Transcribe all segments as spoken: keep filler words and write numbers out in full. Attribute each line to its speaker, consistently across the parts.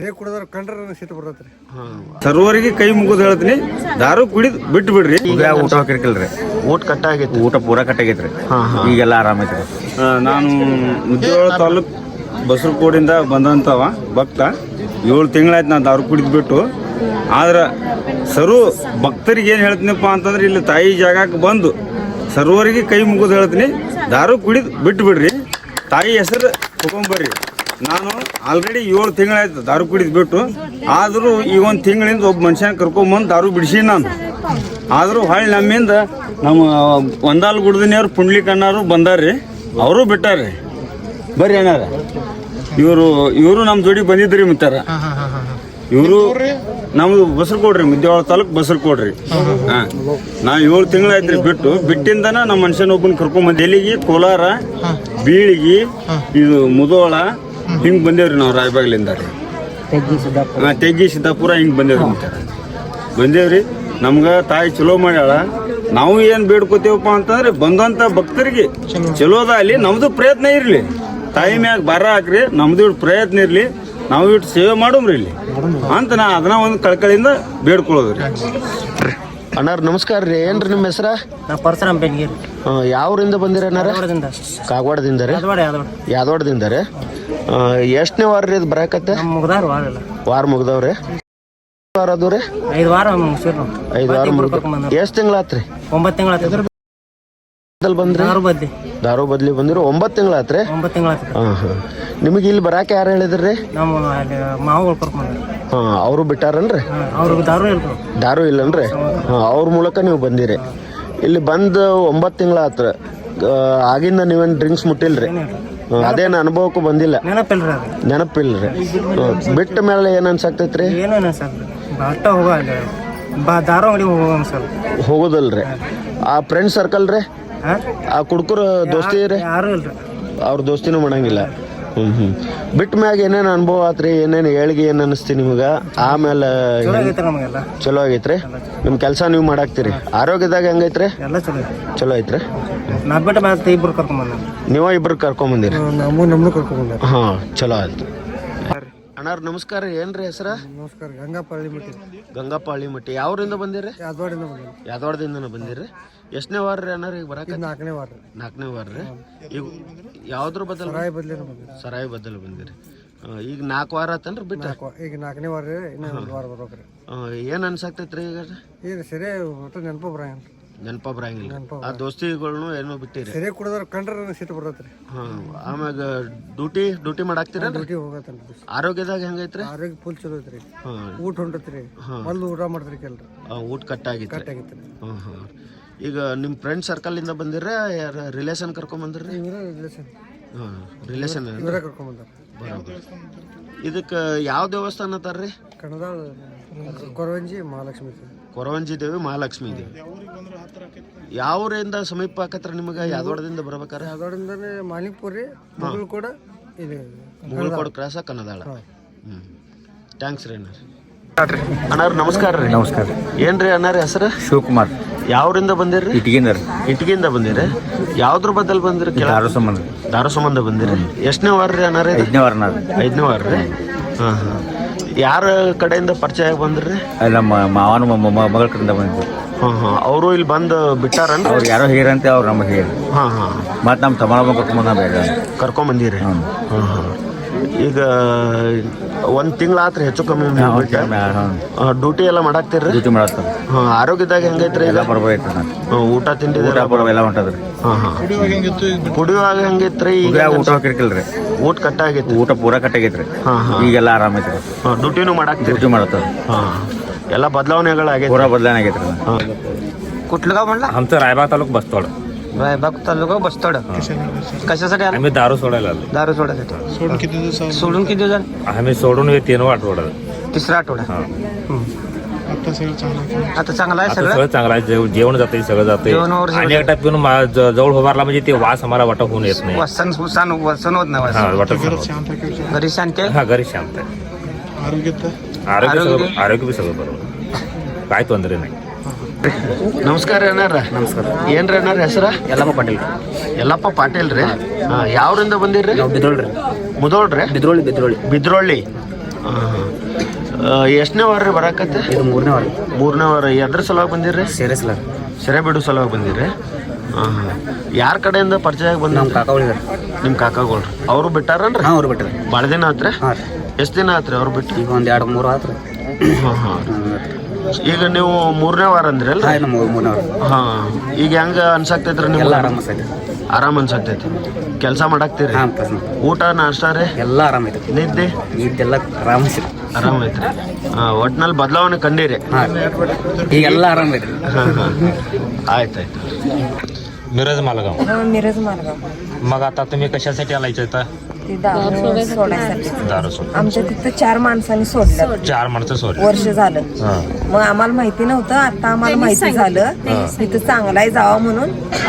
Speaker 1: ಕುಡಿದ್ರ ಕಂಡ್ರ ಶೀತ ಬರ್ತೈತ್ರಿ.
Speaker 2: ಸರ್ವರಿಗೆ ಕೈ ಮುಗಿದು ಹೇಳ್ತೀನಿ, ದಾರು ಕುಡಿದ್ ಬಿಟ್ಟು ಬಿಡ್ರಿ. ಈಗ ಊಟ ಹಾಕಿರ್ಕಿಲ್ರಿ, ಊಟ ಕಟ್ಟಾಗೈತಿ, ಊಟ ಪೂರಾ ಕಟ್ಟಾಗೈತ್ರಿ. ಈಗೆಲ್ಲ ಆರಾಮೈತ್ರಿ. ನಾನು ಮುದ್ದೇಳ ತಾಲೂಕ್ ಬಸರಕೋಡಿಂದ ಬಂದಂತವ ಭಕ್ತ. ಏಳು ತಿಂಗಳಾಯ್ತು ನಾನು ದಾರು ಕುಡಿದ್ ಬಿಟ್ಟು. ಆದ್ರೆ ಸರು ಭಕ್ತರಿಗೆ ಏನು ಹೇಳ್ತೀನಪ್ಪ ಅಂತಂದ್ರೆ, ಇಲ್ಲಿ ತಾಯಿ ಜಾಗಕ್ಕೆ ಬಂದು ಸರ್ವರಿಗೆ ಕೈ ಮುಗಿದು ಹೇಳ್ತೀನಿ, ದಾರು ಕುಡಿದ್ ಬಿಟ್ಟು ಬಿಡ್ರಿ. ತಾಯಿ ಹೆಸರು ತಗೊಂಬರ್ರಿ. ನಾನು ಆಲ್ರೆಡಿ ಏಳು ತಿಂಗಳಾಯ್ತು ದಾರು ಕುಡಿದು ಬಿಟ್ಟು. ಆದರೂ ಈ ಒಂದು ತಿಂಗಳಿಂದ ಒಬ್ಬ ಮನುಷ್ಯನ ಕರ್ಕೊಂಬಂದು ದಾರು ಬಿಡಿಸಿ ನಾನು. ಆದರೂ ಹೊಳ್ಳಿ ನಮ್ಮಿಂದ ನಮ್ಮ ಒಂದಾಲ್ ಗುಡ್ದಿನಿಯವ್ರು ಪುಂಡ್ಲಿಕಣ್ಣರು ಬಂದಾರ್ರಿ, ಅವರು ಬಿಟ್ಟಾರ್ರಿ. ಬರ್ರಿ ಅಣ್ಣಾರ, ಇವರು ಇವರು ನಮ್ಮ ಜೋಡಿ ಬಂದಿದ್ರಿ ಮುತ್ತಾರ. ಇವರು ನಮ್ದು ಬಸರು ಕೊಡ್ರಿ, ಮುದ್ದೇವಾಳ ತಾಲೂಕ್ ಬಸರು ಕೊಡ್ರಿ. ಹಾಂ, ನಾ ಏಳು ತಿಂಗಳಾಯ್ತ್ರಿ ಬಿಟ್ಟು. ಬಿಟ್ಟಿಂದನ ನಮ್ಮ ಮನುಷ್ಯನ ಒಬ್ಬನ ಕರ್ಕೊಂಬಂದು ಎಲ್ಲಿಗೆ ಕೋಲಾರ, ಬೀಳಿಗಿ, ಇದು ಮುದೋಳ ಹಿಂಗೆ ಬಂದೇವ್ರಿ ನಾವು ರಾಯಬಾಗ್ಲಿಂದ ರೀ. ಹಾಂ, ತೆಗ್ಗಿ ಸಿದ್ದಾಪುರ ಹಿಂಗೆ ಬಂದೇವ್ರಿ ಮುತ್ತಾರ ಬಂದೇವ್ರಿ. ನಮ್ಗೆ ತಾಯಿ ಚಲೋ ಮಾಡ್ಯಾಳ. ನಾವು ಏನು ಬೇಡ್ಕೋತೇವಪ್ಪ ಅಂತಂದ್ರೆ, ಬಂದಂಥ ಭಕ್ತರಿಗೆ ಚಲೋದ ಅಲ್ಲಿ ನಮ್ದು ಪ್ರಯತ್ನ ಇರಲಿ. ತಾಯಿ ಮ್ಯಾಗ ಭಾರ ಹಾಕ್ರಿ, ನಮ್ದು ಇಟ್ಟು ಪ್ರಯತ್ನ ಇರಲಿ, ನಾವು ಇಟ್ಟು ಸೇವೆ ಮಾಡೋಮ್ರಿ ಇಲ್ಲಿ ಅಂತ ನಾ ಅದನ್ನ ಒಂದು ಕಳ್ಕಳಿಂದ ಬೇಡ್ಕೊಳ್ಳೋದ್ರಿ.
Speaker 3: ಅಣ್ಣಾರ್ ನಮಸ್ಕಾರ ರೀ. ಏನ್ರಿ ನಿಮ್ಮ ಹೆಸರ?
Speaker 4: ಪರಶುರಾಮ್ ಬೆನ್ಗೇರಿ.
Speaker 3: ಯಾವ್ರಿಂದ ಬಂದಿರ ಅಣ್ಣಾರ? ಕಾಗವಾಡದಿಂದ ರೀ. ಯಾದವಾಡದಿಂದ ರೀ. ಎಷ್ಟನೇ ವಾರ ರೀ ಇದು ಬರಾಕತ್ತೆ? ವಾರ ಮುಗ್ದವ್ರಿ. ವಾರ ಅದು ರೀ?
Speaker 4: ಐದು ವಾರ
Speaker 3: ಐದು ವಾರ ಮುಗ್ದ. ಎಷ್ಟು ತಿಂಗಳಾತ್ರಿ?
Speaker 4: ಒಂಬತ್ತು ತಿಂಗಳ
Speaker 3: ಬಂದ್ರಿ? ದಾರು ಬದ್ಲಿ ದಾರು ಬದ್ಲಿ ಬಂದಿರೋ ಒಂಬತ್ತು ತಿಂಗಳಾತ್ರಿ.
Speaker 4: ಒಂಬತ್ತು ತಿಂಗಳ
Speaker 3: ಹಾಂ ಹಾಂ. ನಿಮಗೆ ಇಲ್ಲಿ ಬರಾಕ ಯಾರು ಹೇಳಿದ್ರಿ?
Speaker 4: ನಮ್ಮ ಮಾವುಗಳು ಕರ್ಕೊಂಡ್ರಿ.
Speaker 3: ಹಾಂ, ಅವರು ಬಿಟ್ಟಾರನ್ರಿ?
Speaker 4: ಅವ್ರಿಗೆ ದಾರು ಇಲ್ಲ. ದಾರು
Speaker 3: ಇಲ್ಲನ್ರಿ? ಹಾಂ, ಅವ್ರ ಮೂಲಕ ನೀವು ಬಂದಿರಿ. ಇಲ್ಲಿ ಬಂದು ಒಂಬತ್ತು ತಿಂಗಳಾತ್ರ. ಆಗಿಂದ ನೀವೇನು ಡ್ರಿಂಕ್ಸ್ ಮುಟ್ಟಿಲ್ರಿ? ಅದೇನು ಅನುಭವಕ್ಕೂ ಬಂದಿಲ್ಲ?
Speaker 4: ನೆನಪಿಲ್ರಿ.
Speaker 3: ನೆನಪಿಲ್ರಿ. ಬಿಟ್ಟ ಮೇಲೆ ಏನು ಅನ್ಸಾಕ್ತೈತ್ರಿ?
Speaker 4: ಏನು ಅನ್ಸಲ್ರಿ, ಬಟ್ಟ ಹೋಗ ದಾರು ಅಂಗಡಿ ಹೋಗೋ ಅನ್ಸಲ್
Speaker 3: ಹೋಗೋದಲ್ರಿ. ಆ ಫ್ರೆಂಡ್ ಸರ್ಕಲ್ ರೀ, ಆ ಕುಡ್ಕುರ ದೋಸ್ತಿ ರೀ?
Speaker 4: ಯಾರು ಇಲ್ರಿ.
Speaker 3: ಅವ್ರ ದೋಸ್ತಿನೂ ಮಾಡಂಗಿಲ್ಲ. ಹ್ಞೂ ಹ್ಞೂ. ಬಿಟ್ಟ ಮ್ಯಾಗ ಏನೇನು ಅನುಭವ ಆತ್ರಿ? ಏನೇನು ಏಳಿಗೆ ಏನು ಅನಿಸ್ತಿ ನಿಮ್ಗೆ? ಆಮೇಲೆ ಚಲೋ ಆಗೈತ್ರಿ. ನಿಮ್ಮ ಕೆಲಸ ನೀವು ಮಾಡಾಕ್ತೀರಿ. ಆರೋಗ್ಯದಾಗ ಹೆಂಗೈತ್ರಿ?
Speaker 4: ಎಲ್ಲ ಚಲೋ
Speaker 3: ಚಲೋ ಐತ್ರಿ.
Speaker 4: ನಾ ಬಿಟ್ಟು ಮತ್ತೆ ಇಬ್ರು ಕರ್ಕೊಂಬಂದ.
Speaker 3: ನೀವ ಇಬ್ರು ಕರ್ಕೊಂಬಂದಿರಿ?
Speaker 1: ನಮ್ಮ ನಮ್ಮನ್ನು ಕರ್ಕೊಂಬಂದ.
Speaker 3: ಹಾಂ, ಚಲೋ ಆಯ್ತು. ಅಣ್ಣಾರ್ ನಮಸ್ಕಾರ. ಏನ್ರಿ ಹೆಸರ?
Speaker 1: ನಮಸ್ಕಾರ. ಗಂಗಪ್ಪ ಹಳ್ಳಿಮಟ್ಟಿ.
Speaker 3: ಗಂಗಪ್ಪ ಹಳ್ಳಿಮಟ್ಟಿ. ಯಾವ್ರಿಂದ ಬಂದಿರಿ?
Speaker 1: ಯಾದವಾಡಿಂದ ಬಂದಿರಿ.
Speaker 3: ಯಾದವಾಡದಿಂದನ ಬಂದಿರಿ. ಎಷ್ಟನೇ ವಾರ ರೀ ಅಣ್ಣಾರ ಈಗ ಬರಾಕ?
Speaker 1: ನಾಲ್ಕನೇ ವಾರ.
Speaker 3: ನಾಲ್ಕನೇ ವಾರ ರೀ. ಈಗ ಯಾವ್ದ್ರ ಬದಲು?
Speaker 1: ಸರಾಯಿ ಬದ್ಲಿ ಬಂದಿರಿ.
Speaker 3: ಸರಾಯಿ ಬದಲು ಬಂದಿರಿ. ಈಗ ನಾಲ್ಕು ವಾರ ಆತನ್ರಿ ಬಿಟ್ಟು?
Speaker 1: ಈಗ ನಾಲ್ಕನೇ ವಾರ ರೀ. ಇನ್ನೂ ಒಂದು ವಾರ ಬರ್ಬೇಕ್ರಿ.
Speaker 3: ಏನು ಅನ್ಸಾಕ್ತೈತ್ರಿ ಈಗ?
Speaker 1: ಈಗ ಸರಿ ಒಟ್ಟು ನೆನಪು ಬರಂಗಿಲ್ಲ.
Speaker 3: ನೆನಪ ಬರಂಗಿಲ್ಲ. ಆ ದೋಸ್ತಿಗಳ್ನು ಏನೋ ಬಿಟ್ಟಿರಿ?
Speaker 1: ಸರಿ ಕುಡಿದ್ರ ಕಂಡ್ರ ಶೀತ ಬರ್ತೈತ್ರಿ.
Speaker 3: ಹಾಂ, ಆಮ್ಯಾಗ ಡ್ಯೂಟಿ ಡ್ಯೂಟಿ ಮಾಡಾಕ್ತೀರ?
Speaker 1: ಡ್ಯೂಟಿ ಹೋಗತ್ತನ್ರಿ.
Speaker 3: ಆರೋಗ್ಯದಾಗ ಹೆಂಗೈತ್ರಿ?
Speaker 1: ಆರೋಗ್ಯ ಫುಲ್ ಚಲೋ ಐತ್ರಿ.
Speaker 3: ಹಾಂ,
Speaker 1: ಊಟ ಹೊಂಟತ್ರಿ. ಮೊದಲು ಊಟ ಮಾಡ್ತೀರಿ ಕೆಲ್ರಿ.
Speaker 3: ಊಟ ಕಟ್ಟಾಗಿತ್ತು.
Speaker 1: ಕಟ್ಟಾಗಿತ್ತು.
Speaker 3: ಹಾಂ ಹಾಂ. ಈಗ ನಿಮ್ಮ ಫ್ರೆಂಡ್ ಸರ್ಕಲಿಂದ ಬಂದಿರ? ಯಾರ ರಿಲೇಷನ್ ಕರ್ಕೊಂಬಂದ್ರಿ?
Speaker 1: ರಿಲೇಷನ್.
Speaker 3: ಹಾಂ, ರಿಲೇಷನ್
Speaker 1: ಇವರೇ ಕರ್ಕೊಂಬಂದಾರ.
Speaker 3: ಬರೋದು. ಇದಕ್ಕೆ ಯಾವ ದೇವಸ್ಥಾನ ಅಂತಾರ್ರಿ?
Speaker 1: ಕಣದಾಳ ಕೊರವಂಜಿ ಮಹಾಲಕ್ಷ್ಮಿ.
Speaker 3: ಕೊರವಂಜಿ ದೇವಿ ಮಹಾಲಕ್ಷ್ಮಿ ದೇವಿ. ಯಾವ ಊರಿಂದ ಸಮೀಪ ಆಕತ್ರ ನಿಮಗೆ? ಯಾದವಾಡದಿಂದ ಬರ್ಬೇಕಾರೆ?
Speaker 1: ಯಾದವಾಡದಿಂದನೇ ಮಾಲಿಕ್ಪುರ್ ರೀ. ಮುಗುಳ್ ಕೂಡ ಇದು
Speaker 3: ಮುಗುಳ್ಕೋಡ್ ಕ್ರಾಸ ಕನ್ನದಾಳ. ಹ್ಞೂ, ಥ್ಯಾಂಕ್ಸ್ ರೀ ಅಣ್ಣಾರ. ಅಣ್ಣಾರ ನಮಸ್ಕಾರ ರೀ.
Speaker 2: ನಮಸ್ಕಾರ.
Speaker 3: ಏನ್ರಿ ಅಣ್ಣಾರ ಹೆಸರು?
Speaker 2: ಶಿವಕುಮಾರ್.
Speaker 3: ಯಾವ್ರಿಂದ ಬಂದಿರಿ?
Speaker 2: ಇಟ್ಗಿಂದ ರೀ.
Speaker 3: ಇಟ್ಗಿಂದ ಬಂದಿರಿ. ಯಾವ್ದ್ರ ಬದಲ್ ಬಂದಿರಿ?
Speaker 2: ದಾರು ಸಂಬಂಧ.
Speaker 3: ದಾರು ಸಂಬಂಧ ಬಂದಿರಿ. ಎಷ್ಟನೇ ವಾರ ರೀ ಅಣ್ಣಾರ?
Speaker 2: ಐದನೇ ವಾರ. ನಾವು
Speaker 3: ಐದನೇ ವಾರ ರೀ. ಹಾಂ ಹಾಂ. ಯಾರ ಕಡೆಯಿಂದ ಪರಿಚಯ ಬಂದ್ರಿ?
Speaker 2: ನಮ್ಮ ಮಾವನ ಮಗಳ ಕಡೆಯಿಂದ ಬಂದಿದ್ದು.
Speaker 3: ಹಾಂ ಹಾಂ. ಅವರು ಇಲ್ಲಿ ಬಂದು ಬಿಟ್ಟಾರನ್?
Speaker 2: ಅವ್ರು ಯಾರೋ ಹೇರಂತೆ, ಅವ್ರು ನಮಗೆ ಹೇಳಿ.
Speaker 3: ಹಾಂ ಹಾಂ.
Speaker 2: ಮತ್ತು ನಮ್ಮ ತಮ್ಮ ಕರ್ಕೊಂಬಂದ ಬೇಡ
Speaker 3: ಕರ್ಕೊಂಬಂದಿರಿ. ಹಾಂ ಹಾಂ. ಈಗ ಒಂದು ತಿಂಗಳಾತ್ರಿ ಹೆಚ್ಚು ಕಮ್ಮಿ ಡ್ಯೂಟಿ ಎಲ್ಲ ಮಾಡಾಕ್ತೀರಿ?
Speaker 2: ಡ್ಯೂಟಿ ಮಾಡತ್ತ.
Speaker 3: ಹಾಂ, ಆರೋಗ್ಯದಾಗ ಹೆಂಗೈತ್ರಿ? ಎಲ್ಲ
Speaker 2: ಬರ್ಬೇಕು.
Speaker 3: ಹಾಂ, ಊಟ ತಿಂಡಿ
Speaker 2: ಎಲ್ಲ ಹೊಂಟದ್ರಿ.
Speaker 3: ಹಾಂ ಹಾಂ. ಕುಡಿಯುವಾಗ ಹೆಂಗೈತ್ರಿ? ಈಗ
Speaker 2: ಊಟ ಹಾಕಿರ್ಕಿಲ್ರಿ,
Speaker 3: ಊಟ ಕಟ್ಟಾಗೈತಿ,
Speaker 2: ಊಟ ಪೂರಾ ಕಟ್ಟಾಗೈತ್ರಿ.
Speaker 3: ಹಾಂ ಹಾಂ.
Speaker 2: ಈಗೆಲ್ಲ ಆರಾಮೈತ್ರಿ.
Speaker 3: ಹಾಂ, ಡ್ಯೂಟಿನೂ ಮಾಡಾಕ್ತೀರಿ?
Speaker 2: ಡ್ಯೂಟಿ ಮಾಡತ್ತ.
Speaker 3: ಹಾಂ, ಎಲ್ಲ बदलावण्यागळागैत
Speaker 2: पूरा बदलावणे ಆಗೈತ್ರಿ.
Speaker 4: कुठलं गाव म्हणला?
Speaker 2: आमचं रायबाग तालुका बसतोड.
Speaker 4: रायबाग तालुका बसतोड. कशासाठी आले?
Speaker 2: आम्ही दारू सोडायला आलो.
Speaker 4: दारू सोडायसाठी. सोडून किती दिवस? सोडून किती दिवस?
Speaker 2: आम्ही सोडून हे तीन आठवडा.
Speaker 4: तिसरा आठवडा. आता सगळं चांगलं आहे. आता चांगलं आहे सगळं.
Speaker 2: सगळं चांगलं आहे. जेवण जाते, सगळं जाते. आणि एकटा पिऊन जवळ उभारला म्हणजे ते वास आम्हाला वाटत होऊन येत नाही.
Speaker 4: वसन वसन वसन होत नाही.
Speaker 2: हा, वाटत
Speaker 4: घरी शांत आहे.
Speaker 2: हा, घरी शांत आहे. आरोग्य आरोग्य आरोग्य बी सगळं बरोबर, काय ತೊಂದರೆ नाही.
Speaker 3: ನಮಸ್ಕಾರ ಅಣ್ಣಾರ.
Speaker 4: ನಮಸ್ಕಾರ.
Speaker 3: ಏನ್ರಿ ಅಣ್ಣಾರ ಹೆಸರ?
Speaker 4: ಯಲ್ಲಪ್ಪ ಪಾಟೀಲ್.
Speaker 3: ಯಲ್ಲಪ್ಪ ಪಾಟೀಲ್ ರೀ. ಯಾವ್ರಿಂದ ಬಂದಿರ್ರಿ?
Speaker 4: ಬಿದ್ರೋಳ್ರಿ.
Speaker 3: ಮುದೋಳ್ರಿ?
Speaker 4: ಬಿದ್ರೋಳಿ ಬಿದ್ರೋಳಿ
Speaker 3: ಬಿದ್ರೋಳಿ. ಎಷ್ಟನೇ ವಾರ ರೀ ಬರಾಕತ್ತೆ?
Speaker 2: ಇದು ಮೂರನೇ ವಾರ.
Speaker 3: ಮೂರನೇ ವಾರ. ಎದ್ರ ಸಲುವಾಗಿ ಬಂದಿರ್ರಿ?
Speaker 2: ಸೇರೆ ಸಲ
Speaker 3: ಸೆರೆ ಬಿಡು ಸಲುವಾಗಿ ಬಂದಿರಿ? ಹಾಂ ಹಾಂ. ಯಾರ ಕಡೆಯಿಂದ ಪರಿಚಯ ಆಗಿ ಬಂದ?
Speaker 2: ನಮ್ಮ ಕಾಕಾಗಳಿದ್ದಾರೆ.
Speaker 3: ನಿಮ್ಮ ಕಾಕಾಗಳು ಅವರು ಬಿಟ್ಟಾರನ್ರಿ?
Speaker 2: ಹಾಂ, ಅವ್ರು ಬಿಟ್ಟರೆ
Speaker 3: ಭಾಳ ದಿನ ಆತ್ರಿ?
Speaker 2: ಹಾಂ ರೀ.
Speaker 3: ಎಷ್ಟು ದಿನ ಆತ್ರಿ ಅವ್ರು ಬಿಟ್ಟು?
Speaker 2: ಈಗ ಒಂದು ಎರಡು ಮೂರು ಆತ್ರಿ.
Speaker 3: ಹಾಂ ಹಾಂ. ಈಗ ನೀವು ಮೂರನೇ ವಾರ ಅಂದ್ರಿ ಅಲ್ಲ?
Speaker 2: ಹಾಂ, ಮೂರನೇ ವಾರ.
Speaker 3: ಹಾಂ. ಈಗ ಹೆಂಗೆ ಅನ್ಸಾಕ್ತೈತ್ರಿ ನಿಮ್ಗೆ?
Speaker 2: ಎಲ್ಲ ಆರಾಮ ಅನ್ಸೈತಿ.
Speaker 3: ಆರಾಮ್ ಅನ್ಸಾಕ್ತೈತಿ. ಕೆಲಸ ಮಾಡಾಕ್ತೀರಿ?
Speaker 2: ಹಾಂ,
Speaker 3: ಊಟ ನಾಷ್ಟ ರೀ
Speaker 2: ಎಲ್ಲ ಆರಾಮೈತಿ.
Speaker 3: ನಿದ್ದೆ
Speaker 2: ಇದೆಲ್ಲ ಆರಾಮ
Speaker 3: ಆರಾಮ ಐತ್ರಿ. ಹಾಂ, ಒಟ್ನಲ್ಲಿ ಬದಲಾವಣೆ ಕಂಡೀರಿ?
Speaker 2: ಹಾಂ, ಈಗೆಲ್ಲ ಆರಾಮ ಐತ್ರಿ.
Speaker 3: हां हां आयत
Speaker 5: मिरज मालगाव.
Speaker 6: मिरज मालगाव.
Speaker 5: मग आता तुम्ही कशासाठी आलायचं इथं?
Speaker 6: ते दारू सोडायसाठी.
Speaker 5: दारू सोड.
Speaker 6: आमच्या तिथं चार माणसांनी सोडलं.
Speaker 5: चार माणसं सोडली.
Speaker 6: वर्ष झालं. मग आम्हाला माहिती नव्हतं, आता आम्हाला माहिती झालं. तिथं चांगला आहे जावा म्हणून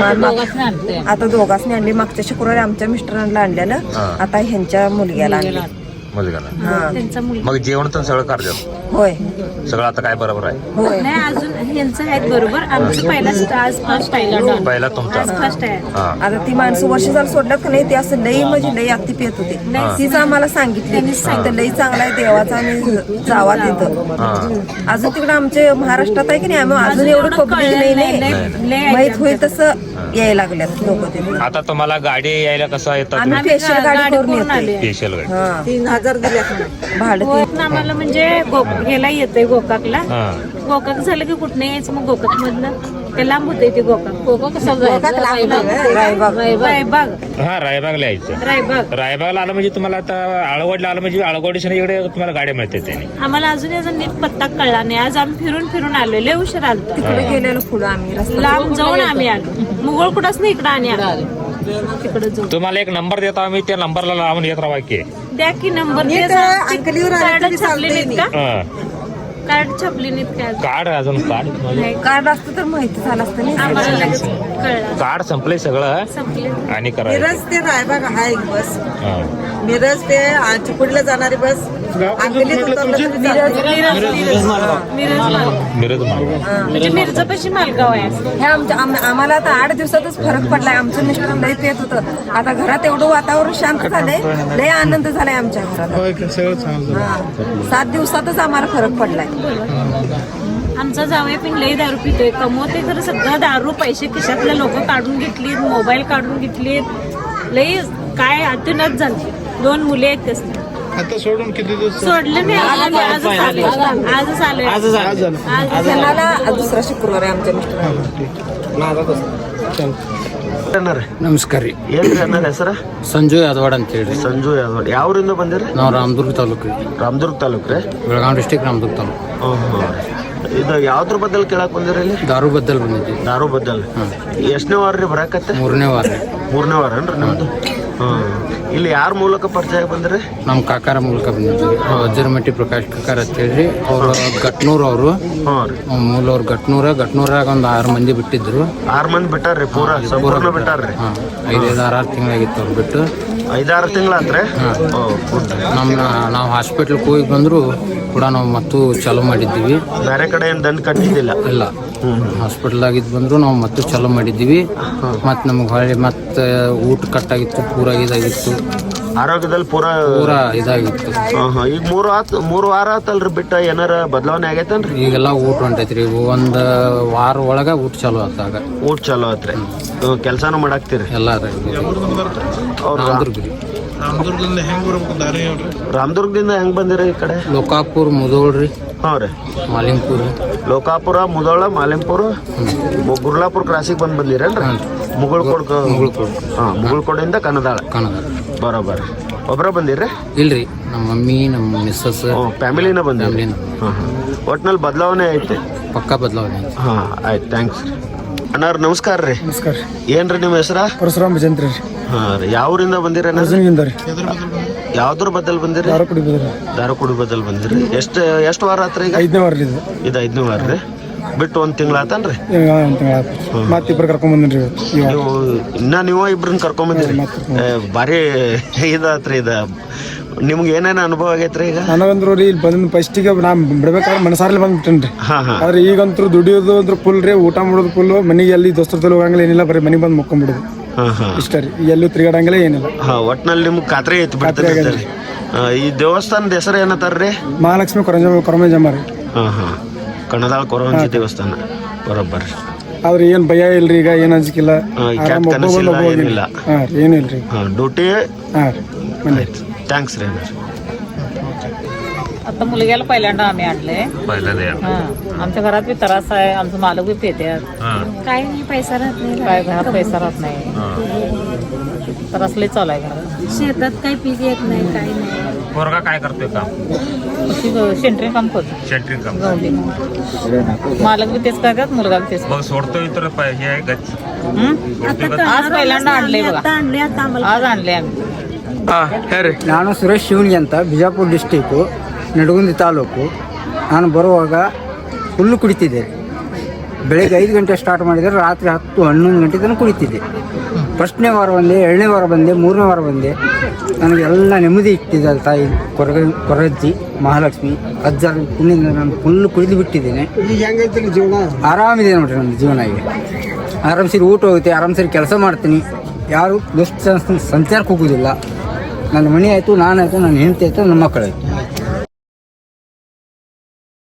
Speaker 6: आता दोघांनी आणली. मागच्या शुक्रवारी आमच्या मिस्टरांना आणलेलं, आता ह्यांच्या मुलग्याला आणलं.
Speaker 5: मुलगाला.
Speaker 6: हा
Speaker 5: मग जेवण तर सगळं करतो?
Speaker 6: होय
Speaker 5: सगळं आता काय बरोबर आहे?
Speaker 6: होय.
Speaker 7: नाही अजून ह्यांचं आहेत बरोबर. आमचं पहिला आज फर्स्ट आहे.
Speaker 5: पहिला तुमचा
Speaker 7: आज फर्स्ट आहे.
Speaker 5: हा.
Speaker 6: आता ती माणसं वर्ष झालं सोडल्यात का नाही, ते असं लई म्हणजे लई अगदी पेत होते. तीच आम्हाला सांगितली तर लई चांगला आहे देवाचा आणि जावा तिथं. अजून तिकडे आमचे महाराष्ट्रात आहे की नाही, आम्ही अजून एवढं पब्लिक नाही नाही माहित होईल तसं यायला लागल्यात लोक तिथे.
Speaker 5: आता तुम्हाला गाडी यायला कसं येतात?
Speaker 6: आम्ही स्पेशल गाडी करून येतो.
Speaker 5: स्पेशल गाडी.
Speaker 6: हा तीन हजार दिले भाडं.
Speaker 7: होत ना आम्हाला म्हणजे गो- ह्याला येतंय गोकाकला.
Speaker 5: हा.
Speaker 7: गोकाक झालं की कुठं यायचं मग गोकाक मधनं ते लांब होते ते गोकाक. गोकाक कसं
Speaker 6: रायबाग.
Speaker 7: रायबाग.
Speaker 5: हा, रायबागला यायचं.
Speaker 7: रायबाग.
Speaker 5: रायबागला आलं म्हणजे तुम्हाला आता आळवडला आलं म्हणजे आळवडीच्या इकडे तुम्हाला गाडी मिळते त्याने.
Speaker 7: आम्हाला अजून याचा नीट पत्ता कळला नाही. आज आम्ही फिरून फिरून आलो. लय उशीर आलो.
Speaker 6: तिकडे गेलेलो पुढं आम्ही रस्ता
Speaker 7: लांब जाऊन आम्ही आलो. मुघळ कुठंच नाही इकडं आणि आलो तिकडे जाऊन.
Speaker 5: तुम्हाला एक नंबर देतो आम्ही, त्या नंबरला लावून येत राहा की.
Speaker 7: द्या की नंबर. कार्ड छापले नाहीत का?
Speaker 5: हा.
Speaker 7: कार्ड छापले नाहीत का?
Speaker 5: कार्ड अजून कार्ड
Speaker 7: नाही.
Speaker 6: कार्ड असतं तर माहिती झालं असतं नाही.
Speaker 7: आम्हाला लगेच कळलं.
Speaker 5: कार्ड संपलंय सगळं
Speaker 7: संपले.
Speaker 5: आणि करायचं.
Speaker 8: मिरज ते रायबाग आहे एक बस.
Speaker 5: हा.
Speaker 8: मिरज ते चिपळीला जाणारी बस. अंकलीत उतरलं तरी चालतं.
Speaker 7: मिरज मालगाव.
Speaker 5: मिरज मालगाव.
Speaker 7: म्हणजे मिरजपाशी मालगाव आहे.
Speaker 6: हे आमच्या आम- आम्हाला आता आठ दिवसातच फरक पडलाय. आमचं मिस्टर लई पेत होतं. आता घरात एवढं वातावरण शांत झालंय, लय आनंद झालाय आमच्या घरात. हा. सात दिवसातच आम्हाला फरक पडलाय.
Speaker 7: आमचा जावई पण लई दारू पितोय. कमवते खरं सगळं दारू. पैसे खिशातले लोक काढून घेतलीत, मोबाईल काढून घेतलीत. लई काय अतुनच झाली. दोन मुले आहेत त्यासनी.
Speaker 4: आता सोडून किती दिवस?
Speaker 7: सोडलं नाही. आजच आलोय. आजच आलोय. आज
Speaker 6: त्यांना दुसरा शुक्रवार आहे आमच्या मिस्टर.
Speaker 1: ನಮಸ್ಕಾರ ರೀ.
Speaker 3: ಏನ್ರಿ ಅಣ್ಣರ ಹೆಸರ?
Speaker 1: ಸಂಜು ಯಾದವಾಡ ಅಂತ ಹೇಳಿ.
Speaker 3: ಸಂಜು ಯಾದವಾಡ. ಯಾವ್ರಿಂದ ಬಂದಿರಿ?
Speaker 1: ನಾವು ರಾಮದುರ್ಗ ತಾಲೂಕು ರೀ.
Speaker 3: ರಾಮದುರ್ಗ ತಾಲೂಕು ರೀ?
Speaker 1: ಬೆಳಗಾವಿ ಡಿಸ್ಟಿಕ್ ರಾಮದುರ್ಗ ತಾಲೂಕು.
Speaker 3: ಇದು ಯಾವ್ದ್ರ ಬದ್ದಲ್ ಕೇಳಕ್ ಬಂದಿರಿ ಇಲ್ಲಿ?
Speaker 1: ದಾರು ಬದ್ದಲ್ ಬಂದಿದ್ವಿ.
Speaker 3: ದಾರು ಬದ್ದಲ್. ಎಷ್ಟನೇ ವಾರ ರೀ ಬರಾಕತ್ತೆ?
Speaker 1: ಮೂರನೇ ವಾರ ರೀ.
Speaker 3: ಮೂರನೇ ವಾರ ಏನ್ರಿ ನಿಮ್ದು? ಹ್ಮ್. ಇಲ್ಲಿ ಯಾರ ಮೂಲಕ ಪರಿಚಯ ಬಂದ್ರಿ?
Speaker 1: ನಮ್ಮ ಕಾಕಾರ ಮೂಲಕ ಬಂದಿದ್ವಿ. ವಜ್ರಮಟ್ಟಿ ಪ್ರಕಾಶ್ ಕಾಕಾರ ಅಂತ ಹೇಳಿ ಅವರು ಗಟ್ನೂರ್ ಅವರು.
Speaker 3: ಹ್ಞೂ ರೀ.
Speaker 1: ಮೂಲವ್ರು ಗಟ್ನೂರ ಗಟ್ನೂರಾಗ ಒಂದು ಆರು ಮಂದಿ ಬಿಟ್ಟಿದ್ರು.
Speaker 3: ಆರು ಮಂದಿ ಬಿಟ್ಟಾರ್ರಿ? ಪೂರ ಸಂಪೂರ್ಣ ಬಿಟ್ಟಾರ್ರಿ?
Speaker 1: ಹಾಂ, ಐದೈದು ಆರು ಆರು ತಿಂಗಳಾಗಿತ್ತು ಅವ್ರು ಬಿಟ್ಟು.
Speaker 3: ಐದಾರು ತಿಂಗಳಾತ್ರಿ?
Speaker 1: ನಮ್ಮ ನಾವು ಹಾಸ್ಪಿಟ್ಲಿಗೆ ಹೋಗಿ ಬಂದ್ರು ಕೂಡ ನಾವು ಮತ್ತು ಚಾಲೂ ಮಾಡಿದ್ದೀವಿ.
Speaker 3: ಬೇರೆ ಕಡೆ ಏನ್ ದಂಡ ಕಟ್ಟಿದ್ದಿಲ್ಲ?
Speaker 1: ಇಲ್ಲ, ಹಾಸ್ಪಿಟಲ್ದಾಗಿದ್ದು ಬಂದ್ರು ನಾವು ಮತ್ತೆ ಚಾಲೂ ಮಾಡಿದ್ದೀವಿ. ಮತ್ತು ನಮಗೆ ಹೊಳ್ಳಿ ಮತ್ತೆ ಊಟ ಕಟ್ಟಾಗಿತ್ತು, ಪೂರ ಇದಾಗಿತ್ತು.
Speaker 3: ಆರೋಗ್ಯದಲ್ಲಿ ಪೂರ
Speaker 1: ಪೂರ ಇದಾಗಿತ್ತು.
Speaker 3: ಹಾ ಹಾ. ಈಗ ಮೂರು ಆತ್ ಮೂರು ವಾರ ಆತಲ್ರಿ ಬಿಟ್ಟ, ಏನಾರ ಬದಲಾವಣೆ ಆಗೈತನ್ರಿ?
Speaker 1: ಈಗೆಲ್ಲ ಊಟ ಹೊಂಟೈತ್ರಿ. ಒಂದು ವಾರ ಒಳಗೆ ಊಟ ಚಾಲೂ ಆತಾಗ.
Speaker 3: ಊಟ ಚಲೋ ಆತ್ರಿ? ಕೆಲಸನೂ ಮಾಡಾಕ್ತಿರಿ?
Speaker 1: ಎಲ್ಲ
Speaker 3: ಅವ್ರು
Speaker 1: ರಾಮದುರ್ಗ ರೀ.
Speaker 4: ರಾಮದುರ್ಗದಿಂದ ಹೆಂಗ್ ಬರ್ಬೇಕು ದಾರಿ ಹೇಳ್ರಿ?
Speaker 3: ರಾಮದುರ್ಗದಿಂದ ಹೆಂಗ್ ಬಂದಿರಿ ಈ ಕಡೆ?
Speaker 1: ಲೋಕಾಪುರ, ಮುದೋಳ್ ರೀ,
Speaker 3: ಹ್ಞೂ ರೀ.
Speaker 1: ಮಾಲಿಂಗ್ಪುರ,
Speaker 3: ಲೋಕಾಪುರ, ಮುದೋಳ, ಮಾಲಿಂಪುರ, ಗುರ್ಲಾಪುರ ಕ್ರಾಸಿಗೆ ಬಂದು ಬಂದಿರೇನ್ರಿ? ಮುಗುಳ್ಕೋಡ್.
Speaker 1: ಮುಗುಳ್ಕೋಡ್.
Speaker 3: ಹಾಂ, ಮುಗುಳ್ಕೋಡಿಂದ ಕನ್ನದಾಳ.
Speaker 1: ಕನ್ನಡ.
Speaker 3: ಬರೋಬರ್. ಒಬ್ಬರ ಬಂದಿರ್ರಿ?
Speaker 1: ಇಲ್ರಿ, ನಮ್ಮ ಮಮ್ಮಿ, ನಮ್ಮ ಮಿಸ್ಸಸ್,
Speaker 3: ಫ್ಯಾಮಿಲಿನ ಬಂದಿರಿ?
Speaker 1: ಫ್ಯಾಮಿಲಿನ.
Speaker 3: ಹಾಂ ಹಾಂ. ಒಟ್ನಲ್ಲಿ ಬದಲಾವಣೆ ಐತೆ?
Speaker 1: ಪಕ್ಕಾ ಬದಲಾವಣೆ.
Speaker 3: ಹಾಂ, ಆಯ್ತು, ಥ್ಯಾಂಕ್ಸ್ ರೀ. ಅಣ್ಣಾರ್ ನಮಸ್ಕಾರ ರೀ.
Speaker 1: ನಮಸ್ಕಾರ.
Speaker 3: ಏನ್ರಿ ನಿಮ್ಮ ಹೆಸರ?
Speaker 1: ಪರಶುರಾಮ್ ಭಜಂತ್ರಿ ರೀ.
Speaker 3: ಹಾಂ ರೀ. ಯಾವ ಊರಿಂದ ಬಂದಿರಿ?
Speaker 1: ಅರ್ಜುನ್ಗಿಂದ ರೀ.
Speaker 3: ಯಾವ್ದ್ರ ಬದಲ್ ಬಂದಿರಿ?
Speaker 1: ದಾರು ಕುಡಿ ಬದ್ರಿ.
Speaker 3: ದಾರುಕುಡಿ ಬದಲ್ ಬಂದಿರಿ. ಎಷ್ಟು ಎಷ್ಟು ವಾರ ಆತ್ರಿ ಈಗ?
Speaker 1: ಐದನೇ ವಾರ ಇದು.
Speaker 3: ಇದು ಐದನೇ ವಾರ ರೀ. ಬಿಟ್ಟು ಒಂದು ತಿಂಗಳ ಆತನ್ರಿ?
Speaker 1: ಮತ್ತೆ ಇಬ್ಬರು ಕರ್ಕೊಂಡ್ ಬಂದ್ರಿ.
Speaker 3: ನೀವು ಇನ್ನ ನೀವು ಇಬ್ರನ್ನ ಕರ್ಕೊಂಬಂದಿರಿ? ಭಾರಿ ಇದಾತ್ರಿ ಇದು. ನಿಮ್ಗೆ ಏನೇನು ಅನುಭವ ಆಗೈತ್ರಿ ಈಗ?
Speaker 1: ನನಗಂದ್ರು ರೀ ಇಲ್ಲಿ ಬಂದ ಫಸ್ಟಿಗೆ ನಾ ಬಿಡ್ಬೇಕಾದ್ರೆ ಮನಸಾರಲ್ಲಿ ಬಂದ್ಬಿಟ್ಟೇನ್ರಿ.
Speaker 3: ಹಾ ಹಾ.
Speaker 1: ಆದ್ರೆ ಈಗಂತೂ ದುಡಿಯೋದು ಅಂದ್ರೆ ಫುಲ್ ರೀ, ಊಟ ಮಾಡೋದು ಫುಲ್. ಮನೆಗೆ ಎಲ್ಲಿ ದೋಸ್ತರ ಹೋಗಂಗಿಲ್ಲ, ಏನಿಲ್ಲ, ಬರೀ ಮನೆಗೆ ಬಂದು ಮುಕ್ಕೊಂಡ್ಬಿಡುದು.
Speaker 3: ಹಾಂ ಹಾಂ
Speaker 4: ಇಷ್ಟ ರೀ ಎಲ್ಲೂ ತಿರುಗಾಡಂಗಿಲ್ಲ ಏನಿಲ್ಲ.
Speaker 3: ಹಾಂ ಒಟ್ನಲ್ಲಿ ನಿಮ್ಗೆ ಖಾತ್ರಿ ಐತಿ ಬಿಡ್ತಾರೆ. ಈ ದೇವಸ್ಥಾನದ ಹೆಸರು ಏನತ್ತಾರ್ರಿ?
Speaker 4: ಮಹಾಲಕ್ಷ್ಮಿ ಕೊರಂಜ ಕೊರಮಂಜಮ್ಮ ರೀ.
Speaker 3: ಹಾಂ ಹಾಂ ಕಣದಾಳ ಕೊರವಂಜಿ ದೇವಸ್ಥಾನ ಬರೋಬ್ಬರ.
Speaker 4: ಆದ್ರೆ ಏನ್ ಭಯ ಇಲ್ರಿ, ಈಗ ಏನ್ ಅಂಜಿಕಿಲ್ಲ, ಆರಾಮ್ ಒಬ್ಬೊಬ್ಬರು ಒಬ್ಬ
Speaker 3: ಏನಿಲ್ಲ.
Speaker 4: ಹಾಂ ಏನಿಲ್ರಿ.
Speaker 3: ಹಾं ड्युटी
Speaker 4: हां
Speaker 3: थँक्स रे.
Speaker 9: आता मुलग्याला पहिल्यांदा आम्ही आणले.
Speaker 5: पहिल्यांदा
Speaker 9: हा आमच्या घरात बी त्रास आहे, आमचं मालक बी पेत्यात,
Speaker 7: काय नाही, पैसा राहत नाही,
Speaker 9: काय घरात पैसा राहत नाही, त्रास लय चालू आहे घरात.
Speaker 7: शेतात काही पीक येत नाही, काही नाही.
Speaker 5: पोरगा काय करतोय काम?
Speaker 9: सेंट्रिंग काम करतो,
Speaker 5: सेंट्रिंग काम.
Speaker 9: गवंडी. मालक बी तेच करतात, मुलगा बी तेच.
Speaker 5: मग सोडतोय तर प- हे आहे गच्च.
Speaker 9: आज पहिल्यांदा आणले बघा,
Speaker 7: आता आणले, आता आम्हाला
Speaker 9: आज आणले आम्ही.
Speaker 1: ನಾನು ಸುರೇಶ್ ಶಿವನ್ಗಿ ಅಂತ, ಬಿಜಾಪುರ ಡಿಸ್ಟಿಕ್ಕು, ನಡಗುಂದಿ ತಾಲೂಕು. ನಾನು ಬರುವಾಗ ಫುಲ್ಲು ಕುಡಿತಿದ್ದೆ. ಬೆಳಗ್ಗೆ ಐದು ಗಂಟೆ ಸ್ಟಾರ್ಟ್ ಮಾಡಿದರೆ ರಾತ್ರಿ ಹತ್ತು ಹನ್ನೊಂದು ಗಂಟೆ ತನಕ ಕುಡಿತಿದ್ದೆ. ಫಸ್ಟ್ನೇ ವಾರ ಬಂದೆ, ಎರಡನೇ ವಾರ ಬಂದೆ, ಮೂರನೇ ವಾರ ಬಂದೆ. ನನಗೆಲ್ಲ ನೆಮ್ಮದಿ ಇಟ್ಟಿದ್ದಾರೆ ತಾಯಿ ಕೊರಗ ಕೊರಜ್ಜಿ ಮಹಾಲಕ್ಷ್ಮಿ ಅಜ್ಜರ ಪುಣ್ಯದಿಂದ ನಾನು ಫುಲ್ಲು ಕುಡಿದು ಬಿಟ್ಟಿದ್ದೇನೆ.
Speaker 4: ಈಗ ಹೆಂಗೈತಿ ಜೀವನ?
Speaker 1: ಆರಾಮಿದೆ ನೋಡ್ರಿ ನನ್ನ ಜೀವನ. ಈಗ ಆರಾಮ್ಸರಿ ಊಟ ಹೋಗುತ್ತೆ, ಆರಾಮ್ಸರಿ ಕೆಲಸ ಮಾಡ್ತೀನಿ, ಯಾರು ದುಷ್ಟ ಸಂಚಾರಕ್ಕೆ ಹೋಗೋದಿಲ್ಲ. ನನ್ನ ಮನೆ ಆಯಿತು, ನಾನಾಯಿತು, ನನ್ನ ಹೆಂಡತಿ ಆಯಿತು, ನನ್ನ ಮಕ್ಕಳಾಯಿತು.